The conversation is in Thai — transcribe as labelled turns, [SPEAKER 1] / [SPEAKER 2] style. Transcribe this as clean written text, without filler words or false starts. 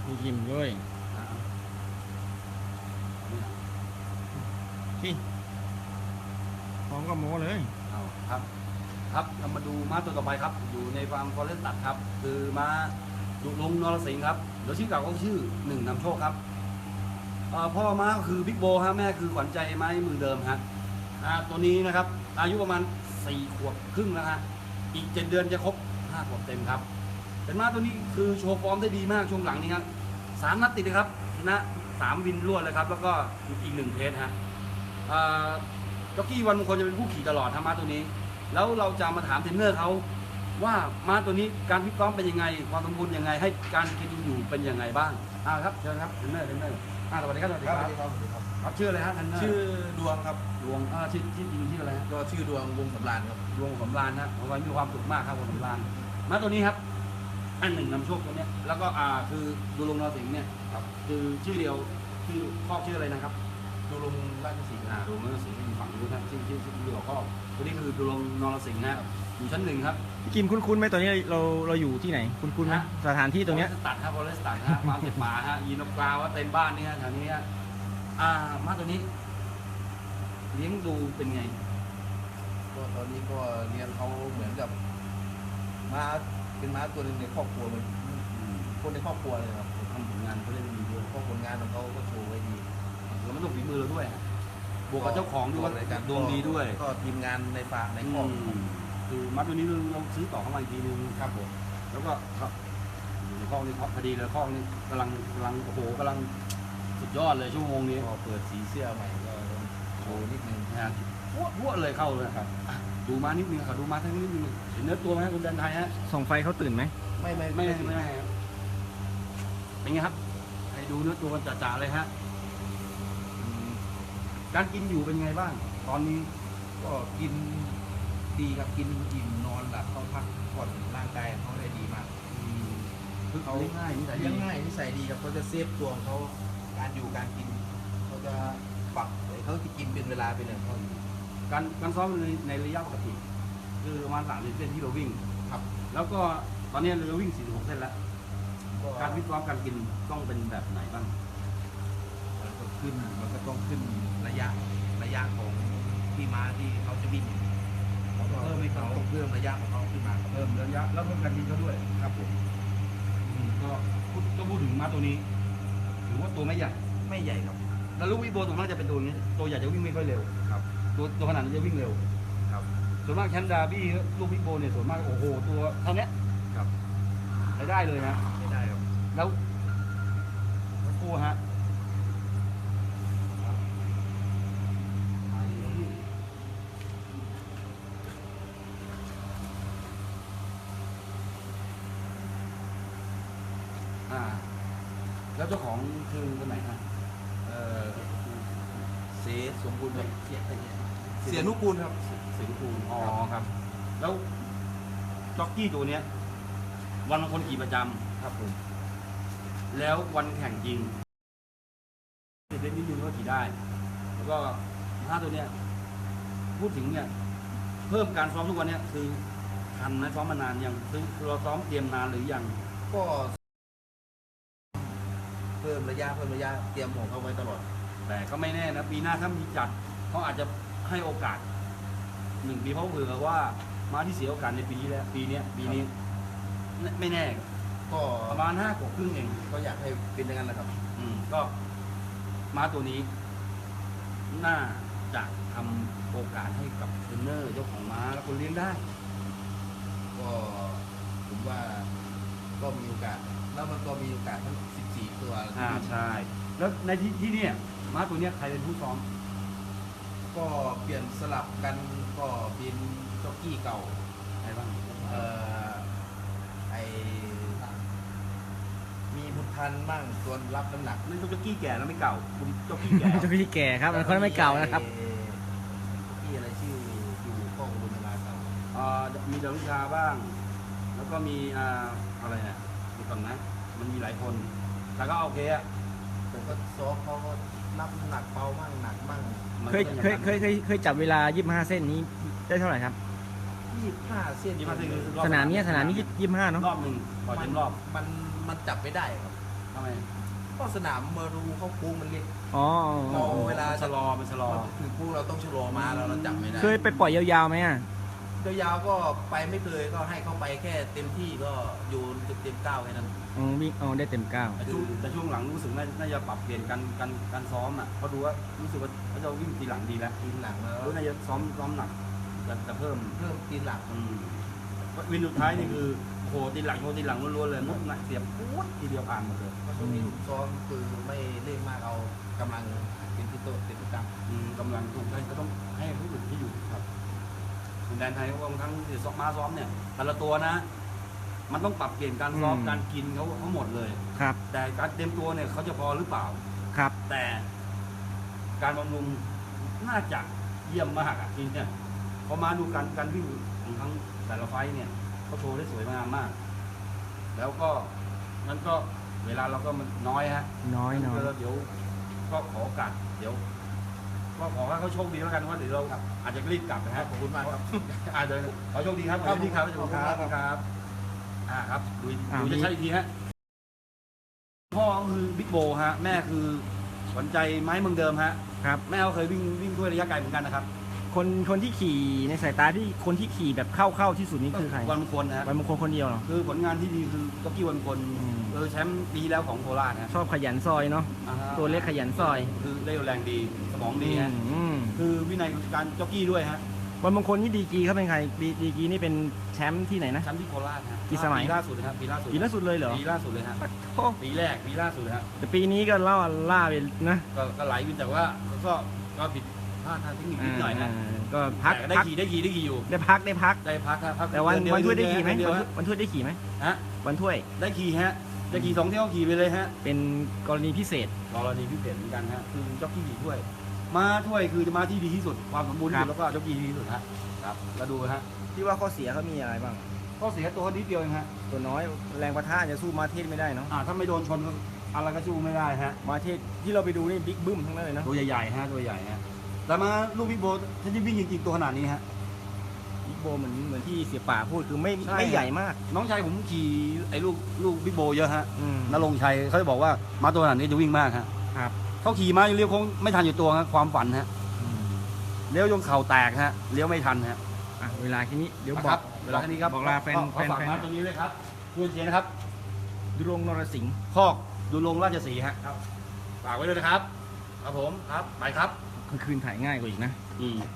[SPEAKER 1] มีกิมด้วยที่พร้อมกับโม้เลย
[SPEAKER 2] เอาครับครับเรามาดูม้าตัวต่อไปครับอยู่ในฟาร์มฟอเรสต์ตัดครับคือม้าดุลงนรสิงห์ครับเดี๋ยวชื่อเก่าก็ชื่อหนึ่งนำโชคครับพ่อม้าก็คือบิ๊กโบฮะแม่คือขวัญใจไม้มือเดิมฮะตัวนี้นะครับอายุประมาณ4 ขวบครึ่งแล้วฮะอีก7 เดือนจะครบ5 ขวบเต็มครับเป็นม้าตัวนี้คือโชว์ฟอร์มได้ดีมากช่วงหลังนี้ครับ3 นัดติดเลยครับชนะ3 วินรวดเลยครับแล้วก็อีก1 เพจฮะจ็อกกี้วันมงคลจะเป็นผู้ขี่ตลอดทำม้าตัวนี้แล้วเราจะมาถามเทรนเนอร์เขาว่าม้าตัวนี้การฟิตซ้อมเป็นยังไงความสมบูรณ์ยังไงให้การกินอยู่เป็นยังไงบ้างครับเชิญครับเทรนเนอร์สวัสดีครับสวัสดีครับครับชื่ออะไรฮะเทรนเนอร์
[SPEAKER 3] ชื่อดวงครับ
[SPEAKER 2] ดวงชื่อจริงชื่ออะไรฮะ
[SPEAKER 3] ก็ชื่อดวงวงสำราญครับ
[SPEAKER 2] ดวงสำราญนะผมว่ามีความสุขมากครับวงสำราญม้าตัวนี้ครับอันหนึ่งนำโชคตัวนี้แล้วก็คือดูลงนรสิงห์เนี่ยครับคือชื่อเดียวชื่อครอบชื่ออะไรนะครับ
[SPEAKER 3] ดูลงราชสีห์
[SPEAKER 2] ดูลงนรสิงห์อยู่ฝั่งนู้นนะชื่อเดียวก็ตัวนี้คือดูลงนรสิงห์นะอยู่ชั้น 1ครับ
[SPEAKER 1] กิมคุ้นๆไหมตอนนี้เราอยู่ที่ไหนคุ้นๆไหมสถานที่ตรงเนี้ย
[SPEAKER 2] ตัดครับบอลเลสตัดฮะมาเก็บป่าฮะยีนกกราวเต็มบ้านนี่ฮะแถวนี้ฮะม้าตัวนี้เลี้ยงดูเป็นไง
[SPEAKER 3] ก็ตอนนี้ก็เลี้ยงเขาเหมือนกับม้าเป็นม้าตัวหนึ่งในครอบครัวมันคนในครอบครัวเลยครับ
[SPEAKER 2] ทำผลงานเขาเล่นดีด้วย
[SPEAKER 3] เพราะผลงานของเขาก็โชว์ไว้ดี
[SPEAKER 2] แล้วมันต้องฝีมือเราด้วยบวกกับเจ้าของด้วยดวงดีด้วย
[SPEAKER 3] ก็ทีมงานในฟาร์มในครอบ
[SPEAKER 2] คือม้าตัวนี้เราซื้อต่อเข้ามาอีกทีนึง
[SPEAKER 3] ครับผม
[SPEAKER 2] แล้วก็อยู่ในข้อนี้พอดีเลยข้อนี้กำลังโอ้โหกำลังสุดยอดเลยชั่วโมงนี้
[SPEAKER 3] พอเปิดสีเสื้อใหม่ก็โชว์นิดนึง
[SPEAKER 2] นะพวเลยเข้าเลยครับดูมานิดนึงครับดูมาทั้งนิดนึงเห็นเนื้อตัวไหมคุณแดนไทยฮะ
[SPEAKER 1] ส่องไฟเขาตื่นไหม
[SPEAKER 2] ไม่เป็นไงครับให้ดูเนื้อตัวกันจ่าๆเลยฮะการกินอยู่เป็นไงบ้างตอนนี้
[SPEAKER 3] ก็กินดีครับกินอิ่มนอนหลับเขาพักผ่อนร่างกายเขาได้ดีมาก
[SPEAKER 2] คือเขาเลี้ยงง่ายนิสั
[SPEAKER 3] ยดีครับเขาจะเซฟตัวของเขาการอยู่การกินเขาจะปรับเขาจะกินเป็นเวลาเป็นอย่างเขาอยู่
[SPEAKER 2] การซ้อมในระยะปกติคือประมาณ30 เส้นที่เราวิ่ง
[SPEAKER 3] ครับ
[SPEAKER 2] แล้วก็ตอนนี้เราวิ่ง46 เส้นแล้วการวิเคราะห์การกินต้องเป็นแบบไหนบ้าง
[SPEAKER 3] มันก็ต้องขึ้นระยะของที่ม้าที่เขาจะวิ่งเพิ่มให้เขาเพิ่มระยะของเขาขึ้นมา
[SPEAKER 2] เพิ่มระยะแล้วเพิ่มการกินเขาด้วย
[SPEAKER 3] ครับผม
[SPEAKER 2] ก็พูดถึงม้าตัวนี้ถือว่าตัวไม่ใหญ่
[SPEAKER 3] ครับ
[SPEAKER 2] แล้วลูกวิโบตัวน่าจะเป็นตัวนี้ตัวใหญ่จะวิ่งไม่ค่อยเร็ว
[SPEAKER 3] ครับ
[SPEAKER 2] ตัวขนาดนี้จะวิ่งเร็ว
[SPEAKER 3] ครับ
[SPEAKER 2] ส่วนมากแชนดาบี้ลูกวิโบเนี่ยส่วนมากโอ้โหตัวเท่านี้
[SPEAKER 3] ครับ
[SPEAKER 2] ได้เลยนะ
[SPEAKER 3] ไม่ได้ครับ
[SPEAKER 2] แล้วคู่ฮะแล้วเจ้าของคือคนไหนฮะ
[SPEAKER 3] เสสมบูรณ์เสียนุกูลครับ
[SPEAKER 2] เสียนุกูลอ๋อครับแล้วจ็อกกี้ตัวเนี้ยวันละคนขี่ประจ
[SPEAKER 3] ำครับผม
[SPEAKER 2] แล้ววันแข่งจริงเล่นนิดนึงก็ขี่ได้แล้วก็ถ้าตัวเนี้ยพูดถึงเนี่ยเพิ่มการซ้อมทุกวันเนี้ยคือทันนะซ้อมมานานยังคือเราซ้อมเตรียมนานหรือยัง
[SPEAKER 3] ก็เพิ่มระยะเตรียมของเขาไว้ตลอด
[SPEAKER 2] แต่ก็ไม่แน่นะปีหน้าถ้ามีจัดเขาอาจจะให้โอกาส1 ปีเพราะเผื่อว่าม้าที่เสียโอกาสในปีนี้แล้วปีนี้ไม่แน่
[SPEAKER 3] ก็
[SPEAKER 2] ประมาณ5 ขวบครึ่งเอง
[SPEAKER 3] ก็อยากให้เป็นอย่างนั้นแหละครับ
[SPEAKER 2] ก็ม้าตัวนี้น่าจะทำโอกาสให้กับเทรนเนอร์เจ้าของม้าและคนเลี้ยงได้
[SPEAKER 3] ก็ผมว่าก็มีโอกาสแล้วมันก็มีโอกาสทั้ง14 ตัว
[SPEAKER 2] ใช่แล้วในที่นี่ม้าตัวนี้ใครเป็นผู้ซ้อม
[SPEAKER 3] ก็เปลี่ยนสลับกันก็เป็นจ็อกกี้เก่า
[SPEAKER 2] ใครบ้าง
[SPEAKER 3] มีบุญทันบ้างส่วนรับน้ำหนัก
[SPEAKER 2] นี่จ็อกกี้แก่แล้วไม่เก่าจ็อกกี้แก่
[SPEAKER 1] จ็อกกี้แก่ครับมันคนไม่เก่านะครับ
[SPEAKER 3] ที่อะไรชื่ออยู่ข้องบุญมาเก่า
[SPEAKER 2] มีดารุชาบ้างแล้วก็มีอะไรเนี่ยดูก่อนนะมันมีหลายคนแต่ก็โอเคอะ
[SPEAKER 3] แต่ก็ซ้อมเขาก็รับหนักเบามั่งหนักมั่ง
[SPEAKER 1] เคยจับเวลา25 เส้นนี้ได้เท่าไหร่ครับ
[SPEAKER 3] 25 เส้น
[SPEAKER 1] สนามนี้25เนาะ
[SPEAKER 2] รอบหนึ่งพอเต็มรอบ
[SPEAKER 3] มันจับไม่ได้ครับ
[SPEAKER 2] ทำไม
[SPEAKER 3] ก็สนามมารูเขาโค้งมันเล็ก
[SPEAKER 1] อ๋อ
[SPEAKER 3] เราเวลา
[SPEAKER 2] ชะลอมันชะลอ
[SPEAKER 3] คือพวกเราต้องชะลอมาเราจับไม่ได้
[SPEAKER 1] เคยไปปล่อยยาวๆไหมอ่ะ
[SPEAKER 3] ยาวๆก็ไปไม่เคยก็ให้เขาไปแค่เต็มที่ก็อยู่เต็มเก้าแค่นั้น
[SPEAKER 1] วิ่งได้เต็มก้าว
[SPEAKER 2] แต่ช่วงหลังรู้สึกน่าจะปรับเปลี่ยนการซ้อมอ่ะเขาดูว่ารู้สึกว่าเขาจะวิ่งตีหลังดีแล้ว
[SPEAKER 3] ตีนหลังแล้ว
[SPEAKER 2] น่าจะซ้อมหนักจะเพิ่ม
[SPEAKER 3] ตีนหลัง
[SPEAKER 2] วินสุดท้ายนี่คือโหตีหลังล้วนๆเลยมุกหนักเสียบปุ๊บทีเดียวผ่านหมดเลย
[SPEAKER 3] ช่วงนี้ผมซ้อมคือไม่เร่งมากเอากำลังเป็นที่โตเต็มที่ตั้ง
[SPEAKER 2] กำลังถูกให้ก็ต้องให้ผู้อื่นที่อยู่ครับแดนไทยบางครั้งที่ซ้อมมาซ้อมเนี่ยแต่ละตัวนะ มันต้องปรับเปลี่ยนการซ้อมการกินเขาหมดเลย
[SPEAKER 1] ครับ
[SPEAKER 2] แต่การเตรียมตัวเนี่ยเขาจะพอหรือเปล่า
[SPEAKER 1] ครับ
[SPEAKER 2] แต่การบำรุงน่าจะเยี่ยมมากอ่ะจริงเนี่ยพอมาดูการวิ่งของทั้งแต่ละไฟท์เนี่ยเขาโชว์ได้สวยงามมาก แล้วก็นั้นก็เวลาเราก็มันน้อยฮะ
[SPEAKER 1] น้อย
[SPEAKER 2] เดี๋ยวก็ขอโอกาสเดี๋ยว ก็ขอให้เขาโชคดีแล้วกันว่าเดี๋ยวเราอาจจะรีบกลับนะฮะ
[SPEAKER 3] ขอบคุณมากครับ
[SPEAKER 2] อาจจะขอโชคดีครับขอโชคดีครับขอบคุณครับครับครับดูจะใช่อีกทีฮะพ่อก็คือบิ๊กโบฮะแม่คือขวัญใจไม้เมืองเดิมฮะ
[SPEAKER 1] ครับ
[SPEAKER 2] แม่เขาเคยวิ่งด้วยระยะไกลเหมือนกันนะครับ
[SPEAKER 1] คนที่ขี่ในสายตาที่คนที่ขี่แบบเข้าที่สุดนี่คือใคร
[SPEAKER 2] วันมงคลนะฮะ
[SPEAKER 1] วันมงคลคนเดียวเหรอ
[SPEAKER 2] คือผลงานที่ดีคือจ็อกกี้วันมงคล
[SPEAKER 1] อืม
[SPEAKER 2] แชมป์ปีแล้วของโคราชนะ
[SPEAKER 1] ชอบขยันซอยเนาะ ตัวเล็กขยันซอย
[SPEAKER 2] คือเร็วแรงดีสมองดีฮะ
[SPEAKER 1] อืม
[SPEAKER 2] คือวินัยการจ็อกกี้ด้วยฮะ
[SPEAKER 1] วันมงคลนี่ดีกรีเขาเป็นใครดีกรีนี่เป็นแชมป์ที่ไหนนะ
[SPEAKER 2] แชมป์ที่โคราชฮะ
[SPEAKER 1] กี่สมัย
[SPEAKER 2] ปีล่าสุดนะครับปีล่าสุด
[SPEAKER 1] ปีล่าสุดเลยเหรอ
[SPEAKER 2] ปีล่าสุดเลยฮะ
[SPEAKER 1] โอ้
[SPEAKER 2] ปีแรกปีล่าสุดฮะ
[SPEAKER 1] แต่ปีนี้ก็ล่าไปนะ
[SPEAKER 2] ก็ไหลวินแต่ว่าก็ผิดพลาดทางเทคนิคนิดหน่อยนะ
[SPEAKER 1] ก็พัก
[SPEAKER 2] แต่ได้ขี่อยู่
[SPEAKER 1] ได้พัก
[SPEAKER 2] ได้พักครับ
[SPEAKER 1] แต่วัน
[SPEAKER 2] เดือ
[SPEAKER 1] ถ้วยได้
[SPEAKER 2] เดือ
[SPEAKER 1] ขี่ไหม
[SPEAKER 2] เดือน
[SPEAKER 1] วันถ้วยได้ขี่ไหม
[SPEAKER 2] ฮะ
[SPEAKER 1] วันถ้วย
[SPEAKER 2] ได้ขี่ฮะได้ขี่2 เที่ยวขี่ไปเลยฮะ
[SPEAKER 1] เป็นกรณีพิเศษ
[SPEAKER 2] กรณีพิเศษเหมือนกันฮะคือจ็อกกี้ขี่ถ้วยมาถ้วยคือจะมาที่ดีที่สุดความสมบูรณ์ที่สุดแล้วก็จ็อกกี้ที่ดีที่สุดฮะครับแล้วดูฮะ
[SPEAKER 1] ที่ว่าข้อเสียเขามีอะไรบ้าง
[SPEAKER 2] ข้อเสียตัวนิดเดียวเองฮะ
[SPEAKER 1] ตัวน้อยแรงประทะจะสู้มาเทศไม่ได้เนาะ
[SPEAKER 2] ถ้าไม่โดนชนอะไรก็สู้ไม่ได้ฮะ
[SPEAKER 1] มาเทศที่เราไปดูนี่บิ๊กบึ้มทั้งนั้นเลยนะ
[SPEAKER 2] ตัวใหญ่ๆฮะตัวใหญ่ฮะแต่มาลูกบิ๊กโบถ้าจะวิ่งจริงๆตัวขนาดนี้ฮะ
[SPEAKER 1] บิ๊กโบเหมือนที่เสียป่าพูดคือไม่
[SPEAKER 2] ใช่
[SPEAKER 1] ไม่ใหญ่มาก
[SPEAKER 2] น้องชายผมขี่ไอ้ลูกบิ๊กโบเยอะฮะ
[SPEAKER 1] อืม
[SPEAKER 2] นรงค์ชัยเขาจะบอกว่ามาตัวขนาดนี้จะวิ่งมากฮะ
[SPEAKER 1] ครับ
[SPEAKER 2] เขาขี่มาเลี้ยวคงไม่ทันอยู่ตัวฮะความฝันฮะ
[SPEAKER 1] อืม
[SPEAKER 2] เลี้ยวจนเข่าแตกฮะเลี้ยวไม่ทันฮะ
[SPEAKER 1] เวลาแค่นี้เดี๋ยวบ
[SPEAKER 2] ค
[SPEAKER 1] อ
[SPEAKER 2] รั
[SPEAKER 1] ก
[SPEAKER 2] เวลาแค่นี้ครับ
[SPEAKER 1] บอกลาแฟน
[SPEAKER 2] ขอฝากมาตรงนี้เลยครับเพื่อนเชียร์นะครับ
[SPEAKER 1] ดุรงค์นรสิงห์
[SPEAKER 2] คอกดูลงราชสีห์ฮะครับฝากไว้ด้วยนะครับครับผมครับไปครับ
[SPEAKER 1] กลางคืนถ่ายง่ายกว่าอีกนะ
[SPEAKER 2] อืม